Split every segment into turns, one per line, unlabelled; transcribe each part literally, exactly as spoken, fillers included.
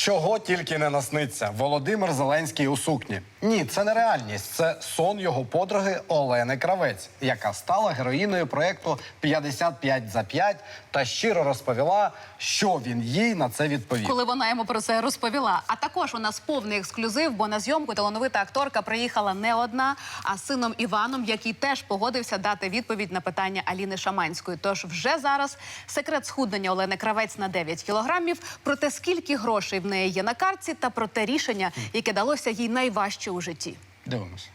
Чого тільки не насниться. Володимир Зеленський у сукні. Ні, це не реальність. Це сон його подруги Олени Кравець, яка стала героїною проєкту «п'ятдесят п'ять за п'ять» та щиро розповіла, що він їй на це відповів.
Коли вона йому про це розповіла. А також у нас повний ексклюзив, бо на зйомку талановита акторка приїхала не одна, а з сином Іваном, який теж погодився дати відповідь на питання Аліни Шаманської. Тож вже зараз секрет схуднення Олени Кравець на дев'ять кілограмів, про те, скільки грошей в неї є на картці, та про те рішення, яке далося їй найважче у житті.
Дивимось.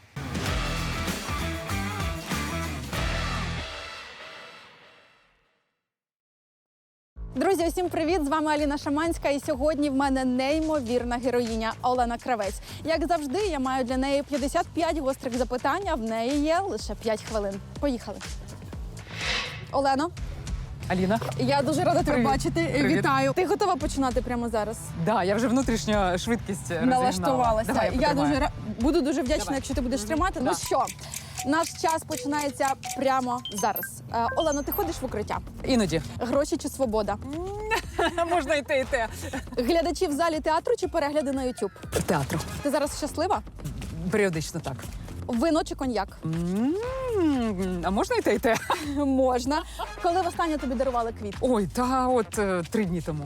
Друзі, усім привіт! З вами Аліна Шаманська, і сьогодні в мене неймовірна героїня Олена Кравець. Як завжди, я маю для неї п'ятдесят п'ять гострих запитань, а в неї є лише п'ять хвилин. Поїхали. Олено,
Аліна.
я дуже рада тебе
Привіт.
бачити.
Привіт.
Вітаю. Ти готова починати прямо зараз?
Да, я вже внутрішньо швидкість розігнала.
Налаштувалася.
Давай,
я
потримаю.
дуже ра- буду дуже вдячна,
Давай.
якщо ти будеш тримати.
Да.
Ну що, наш час починається прямо зараз. Е, Олено, ти ходиш в укриття?
Іноді.
Гроші чи свобода?
Можна і те, і те.
Глядачі в залі театру чи перегляди на YouTube?
Театру.
Ти зараз щаслива?
Періодично так.
Вино чи коньяк?
М, А можна і те, і те?
Можна. Коли востаннє тобі дарували квіт?
Ой, та от е, три дні тому.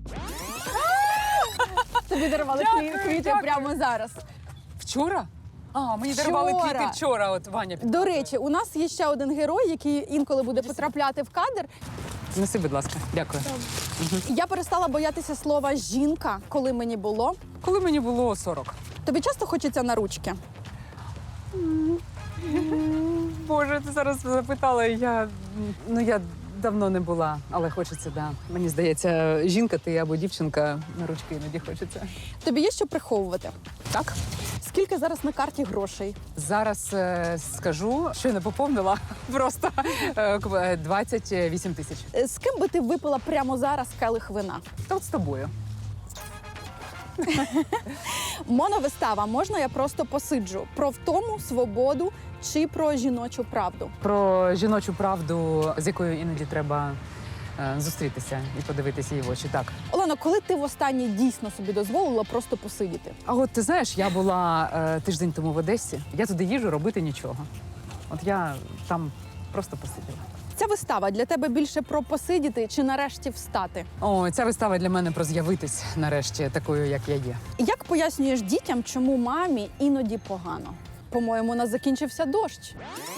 Тобі дарували
Дякую,
кві- квіти
дякую.
прямо зараз.
Вчора? А, мені дарували
Вчора.
квіти вчора, от Ваня підказує.
До речі, у нас є ще один герой, який інколи буде потрапляти в кадр.
Неси, будь ласка. Дякую.
Я перестала боятися слова «жінка», коли мені було.
Коли мені було сорок.
Тобі часто хочеться на ручки?
Боже, ти зараз запитала, я, ну, я давно не була, але хочеться, да. Мені здається, жінка ти або дівчинка, на ручки іноді хочеться.
Тобі є що приховувати?
Так?
Скільки зараз на карті грошей?
Зараз е, скажу, що не поповнила, просто е, к- двадцять вісім тисяч.
Е, З ким би ти випила прямо зараз келих вина?
Та от з тобою.
Моновистава «Можна я просто посиджу» про втому, свободу чи про жіночу правду?
Про жіночу правду, з якою іноді треба е, зустрітися і подивитися її в очі. Так.
Олено, коли ти востаннє дійсно собі дозволила просто посидіти?
А от ти знаєш, я була е, тиждень тому в Одесі. Я туди їжджу робити нічого. От я там просто посиділа.
Ця вистава для тебе більше про посидіти чи нарешті встати?
О, ця вистава для мене про з'явитись нарешті такою, як я є.
Як пояснюєш дітям, чому мамі іноді погано? По-моєму, у нас закінчився дощ.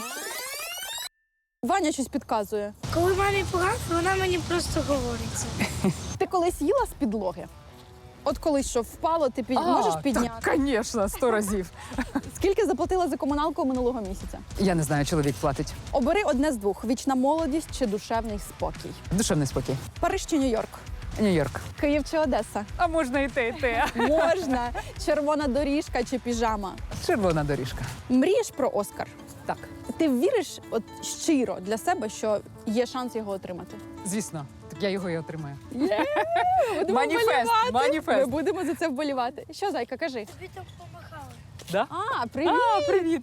Ваня щось підказує.
Коли мамі погано, вона мені просто говорить це.
Ти колись їла з підлоги? От колись що впало, ти під... можеш підняти?
Так, звісно, сто разів.
Скільки заплатила за комуналку минулого місяця?
Я не знаю, чоловік платить.
Обери одне з двох: вічна молодість чи душевний спокій.
Душевний спокій.
Париж чи Нью-Йорк?
Нью-Йорк.
Київ чи Одеса?
А можна і те, і те.
Можна. Червона доріжка чи піжама?
Червона доріжка.
Мрієш про Оскар?
Так,
Ти віриш от щиро для себе, що є шанс його отримати?
звісно. Так я його і отримаю.
Будемо
Маніфест,
вболівати.
маніфест.
Ми будемо за це вболівати. Що, зайка, кажи?
Тобі так помахали.
Да?
А, привіт!
А, привіт.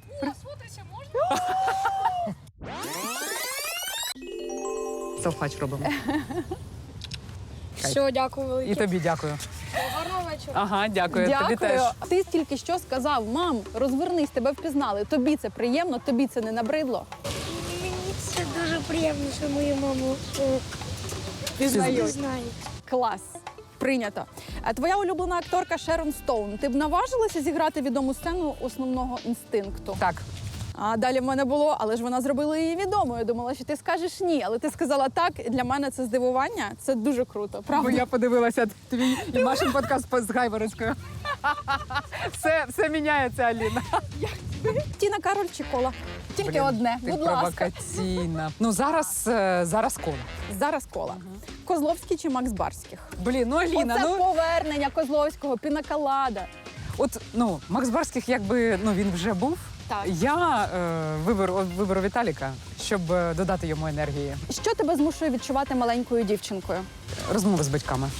Селфач робимо.
Все, дякую
І
велике.
тобі дякую.
Гарного вечора.
Ага, дякую. Тобі
Дякую.
теж.
Ти тільки що сказав: мам, розвернись, тебе впізнали. Тобі це приємно, тобі це не набридло.
Мені це дуже приємно, що мою маму е,
Пізнають.
знають.
Клас. Прийнято. А твоя улюблена акторка Шерон Стоун. Ти б наважилася зіграти відому сцену основного інстинкту?
Так.
А далі в мене було, але ж вона зробила її відомою. Я думала, що ти скажеш ні, але ти сказала так. І для мене це здивування. Це дуже круто. Правда?
Бо я подивилася твій і Машин подкаст з Гайворонською. Все, все міняється, Аліна.
Тіна Кароль чи Кола? Тільки
Блін,
одне.
Ти
Будь ласка.
провокаційна. Ну, зараз, е, зараз кола.
Зараз Кола. Козловський чи Макс Барських?
Блін, ну, Аліна,
Оце
ну...
повернення Козловського, пінаколада.
От, ну, Макс Барських, якби, ну, він вже був.
Так.
Я е, виберу, виберу Віталіка, щоб е, додати йому енергії.
Що тебе змушує відчувати маленькою дівчинкою?
Розмови з батьками.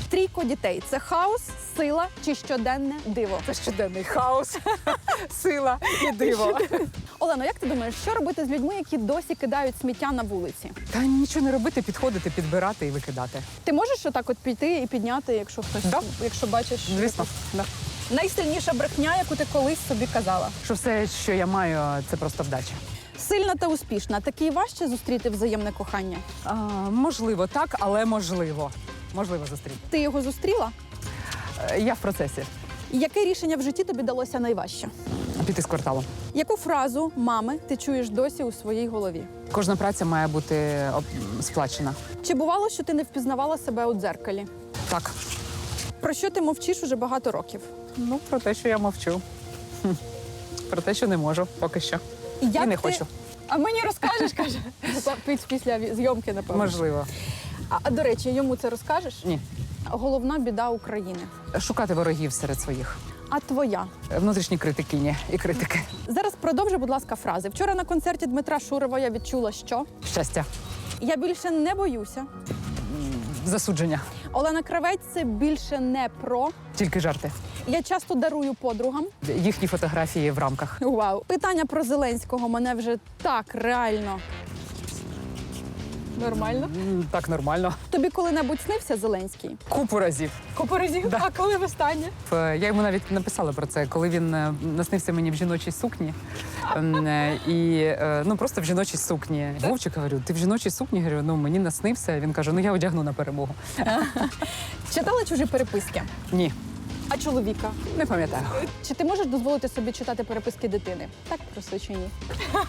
Трійко дітей це хаос, сила чи щоденне диво?
Це щоденний хаос, сила і диво.
Олено, як ти думаєш, що робити з людьми, які досі кидають сміття на вулиці?
Та нічого не робити, підходити, підбирати і викидати.
Ти можеш отак от піти і підняти, якщо хтось,
Да.
якщо бачиш?
Звісно, да.
Найсильніша брехня, яку ти колись собі казала.
Що все, що я маю, це просто вдача.
Сильна та успішна. Такий важче зустріти взаємне кохання.
А, можливо, так, але можливо. Можливо зустріти.
Ти його зустріла?
Е, Я в процесі.
Яке рішення в житті тобі далося найважче?
Піти з кварталу.
Яку фразу мами ти чуєш досі у своїй голові?
Кожна праця має бути об- сплачена.
Чи бувало, що ти не впізнавала себе у дзеркалі?
Так.
Про що ти мовчиш уже багато років?
Ну, про те, що я мовчу. Хм. Про те, що не можу, поки що.
Як
І не
ти-
хочу.
А мені розкажеш, каже. Піс- Після ві- зйомки, напевно.
Можливо.
А, а до речі, йому це розкажеш?
Ні.
Головна біда України.
Шукати ворогів серед своїх.
А твоя?
Внутрішні критикині і критики.
Зараз продовжи, будь ласка, фрази. Вчора на концерті Дмитра Шурова я відчула, що
Щастя.
я більше не боюся.
Засудження.
Олена Кравець це більше не про.
Тільки жарти.
Я часто дарую подругам.
Їхні фотографії в рамках.
Вау, питання про Зеленського мене вже так реально. Нормально.
М, Так, нормально.
Тобі коли-небудь снився Зеленський?
Купу разів.
Купу разів?
Да.
А коли востаннє?
Е, Я йому навіть написала про це, коли він е, наснився мені в жіночій сукні. Ем, е, І е, ну просто в жіночій сукні. Вовчик, говорю, ти в жіночій сукні? Говорю, ну мені наснився. Він каже, ну я одягну на перемогу.
Читала чужі переписки?
Ні,
А чоловіка?
не пам'ятаю.
Чи ти можеш дозволити собі читати переписки дитини? Так просто чи ні?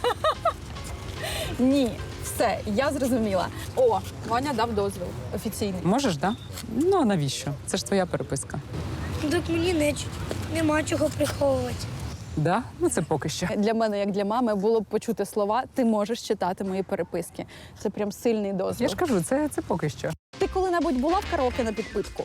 Ні. Все, я зрозуміла. О, Ваня дав дозвіл офіційний.
Можеш, так? Да? Ну а навіщо? Це ж твоя переписка.
Ну, так мені не, нема чого приховувати.
Да? Ну це поки що.
Для мене, як для мами, було б почути слова «ти можеш читати мої переписки». Це прям сильний дозвіл.
Я ж кажу, це, це поки що.
Ти коли-небудь була в караоке на підпитку?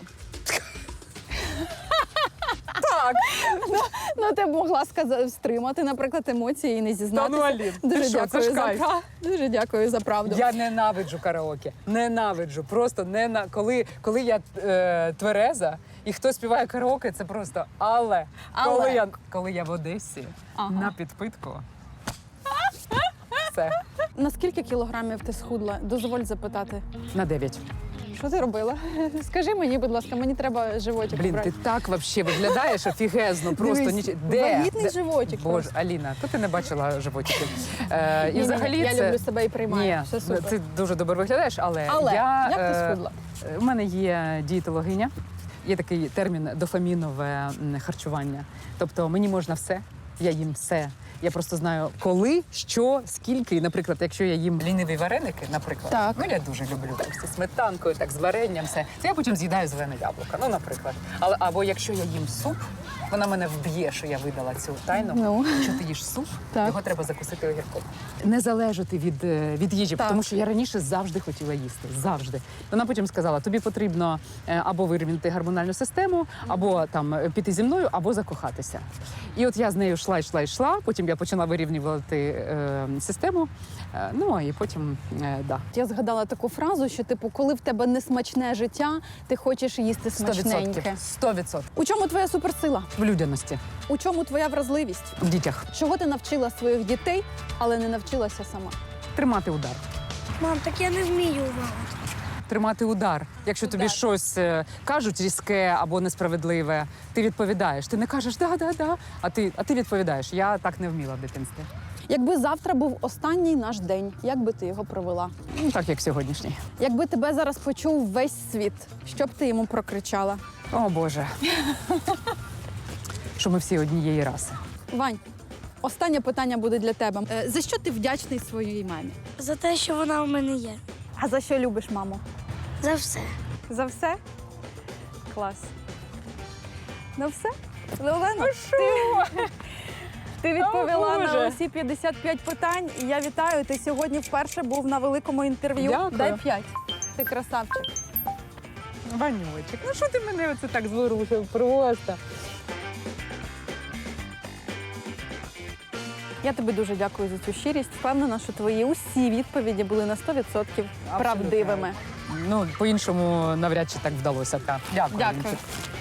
Так.
Ну, ну, ти б могла сказати, стримати, наприклад, емоції і не зізнатися.
Та ну, Алін, ти
Дуже
що, це
дякую
ж
за
кайф.
пра- Дуже дякую за правду.
Я ненавиджу караоке. Ненавиджу. Просто не на коли, коли я е, твереза і хто співає караоке, це просто але.
Але.
Коли я коли я в Одесі
Ага.
на підпитку. Все,
На скільки кілограмів ти схудла? Дозволь запитати.
на дев'ять.
Що ти робила? Скажи мені, будь ласка, мені треба животик.
Блін,
брати.
ти так взагалі виглядаєш офігезно, просто
Дивись,
ніч... Де?
вагітний
Де?
животик
Боже,
просто.
Аліна, то ти не бачила животиків. Е, і
Ні-ні-ні,
взагалі
я
це...
люблю себе і приймаю.
Ні,
Все супер.
ти дуже добре виглядаєш, але,
Але
я...
як ти
е,
схудла?
У мене є дієтологиня, є такий термін дофамінове м, харчування. Тобто мені можна все, я їм все. Я просто знаю, коли, що, скільки. І, наприклад, якщо я їм ліниві вареники, наприклад,
Так.
ну я дуже люблю так, зі сметанкою, так з варенням, все. То я потім з'їдаю зелене яблуко. Ну, наприклад. Але або якщо я їм суп, вона мене вб'є, що я видала цю тайну.
Ну.
Якщо ти їш суп,
Так.
його треба закусити огірком. Не залежати від, е, від їжі,
Так.
тому що я раніше завжди хотіла їсти. Завжди. Вона потім сказала: тобі потрібно е, або вирівняти гормональну систему, або там е, піти зі мною, або закохатися. І от я з нею йшла, йшла, йшла. Потім я почала вирівнювати е, систему. Е, ну і потім е, да.
Я згадала таку фразу, що типу, коли в тебе несмачне життя, ти хочеш їсти
Сто відсотків.
смачненьке.
Сто відсотків.
У чому твоя суперсила?
В людяності,
У чому твоя вразливість?
в дітях.
Чого ти навчила своїх дітей, але не навчилася сама?
Тримати удар.
Мам, так я не вмію маму.
Тримати удар. Якщо тобі
Удар.
щось е, кажуть різке або несправедливе, ти відповідаєш. Ти не кажеш да, да, да, а ти, а ти відповідаєш. Я так не вміла в дитинстві.
Якби завтра був останній наш день, як би ти його провела?
Ну, так як сьогоднішній.
Якби тебе зараз почув весь світ, що б ти йому прокричала?
О Боже. Що ми всі однієї раси.
Вань, останнє питання буде для тебе. Е, За що ти вдячний своїй мамі?
За те, що вона у мене є.
А за що любиш маму?
За все.
За все? Клас. Ну все? Олена, ти, ти відповіла
О,
на
Боже.
усі п'ятдесят п'ять питань. І я вітаю, ти сьогодні вперше був на великому інтерв'ю.
Дякую.
Дай п'ять. Ти красавчик.
Ванючик, ну що ти мене оце так зворушив просто?
Я тобі дуже дякую за цю щирість. Впевнена, що твої усі відповіді були на сто відсотків правдивими.
Ну, по-іншому навряд чи так вдалося. Так. Дякую.
Дякую.
Вінчик.